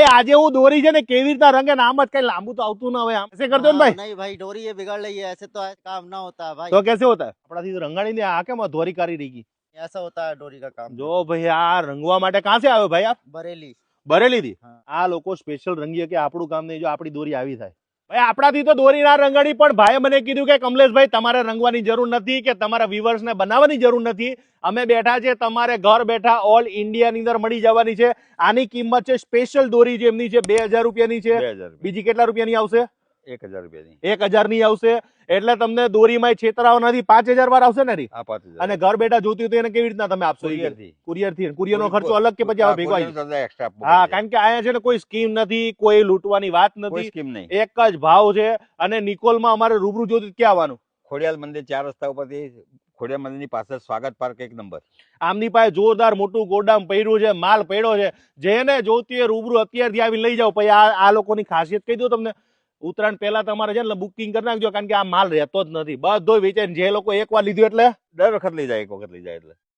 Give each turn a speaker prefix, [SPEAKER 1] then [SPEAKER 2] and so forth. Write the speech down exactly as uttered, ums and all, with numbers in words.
[SPEAKER 1] भाई આજે હું દોરી છે ને કેવી રીતના રંગે નામ જ કઈ લાંબુ તો આવતું ના હોય આમ ऐसे कर दो ना भाई
[SPEAKER 2] नहीं भाई डोरी ये बिगड़ रही है, ऐसे तो काम ना होता है भाई।
[SPEAKER 1] तो कैसे होता है આપણાથી તો રંગાણી ને આ કેમ ધોરી કરી રહી ગઈ
[SPEAKER 2] ऐसा होता है डोरी का काम।
[SPEAKER 1] જો ભાઈ આ રંગવા માટે ક્યાં से આવ્યો ભાઈ આપ
[SPEAKER 2] बरेली।
[SPEAKER 1] બરેલી થી
[SPEAKER 2] હા.
[SPEAKER 1] આ લોકો સ્પેશિયલ રંગીએ કે આપણું કામ નહીં જો આપણી દોરી આવી થાય ભાઈ આપણાથી તો દોરી ના રંગાડી પણ ભાઈએ મને કીધું કે કમલેશભાઈ તમારે રંગવાની જરૂર નથી કે તમારા વ્યુઅર્સ ને બનાવવાની જરૂર નથી અમે બેઠા છે તમારે ઘર બેઠા ઓલ ઇન્ડિયા ની અંદર મળી જવાની છે આની કિંમત છે સ્પેશિયલ દોરી જે એમની છે બે હજાર રૂપિયાની છે
[SPEAKER 3] બે હજાર
[SPEAKER 1] બીજી કેટલા રૂપિયાની આવશે
[SPEAKER 3] એક હજાર રૂપિયાની
[SPEAKER 1] એક હજાર ની આવશે એટલે તમને દોરીમાં છેતરાવ નથી પાંચ હજાર વાર આવશે ને રી
[SPEAKER 3] આ પાંચ હજાર
[SPEAKER 1] અને ઘર બેઠા જોતી હોય તો એને કેવી રીતના તમે આપશો
[SPEAKER 3] કુરિયર થી
[SPEAKER 1] કુરિયર થી કુરિયર નો ખર્ચો અલગ કે પછી આવો ભેગો આવી જાય?
[SPEAKER 3] એક્સ્ટ્રા
[SPEAKER 1] હા કારણ કે અહીંયા છે ને કોઈ સ્કીમ નથી કોઈ લૂંટવાની વાત
[SPEAKER 3] કોઈ
[SPEAKER 1] નથી
[SPEAKER 3] સ્કીમ નહીં.
[SPEAKER 1] એક જ ભાવ છે અને નિકોલમાં અમારે રૂબરૂ જોતું ક્યાં આવવાનું
[SPEAKER 3] ખોડિયાલ મંદિર ચાર રસ્તા ઉપરથી ખોડિયાલ મંદિરની પાછળ સ્વાગત પાર્ક એક નંબર.
[SPEAKER 1] આમની પાસે જોરદાર મોટું ગોડામ પડ્યું છે માલ પડ્યો છે જેને જોતી હોય રૂબરૂ અત્યારથી આવી લઈ જાઓ પછી આ આ લોકોની ખાસિયત કહી દઉં તમને ઉત્તરાયણ પહેલા તમારે છે ને બુકિંગ કરી નાખજો કારણ કે આ માલ રહેતો જ નથી બધો વેચાય જે લોકો એક વાર લીધું એટલે
[SPEAKER 3] દર વખત લઈ જાય એક વખત લઈ જાય એટલે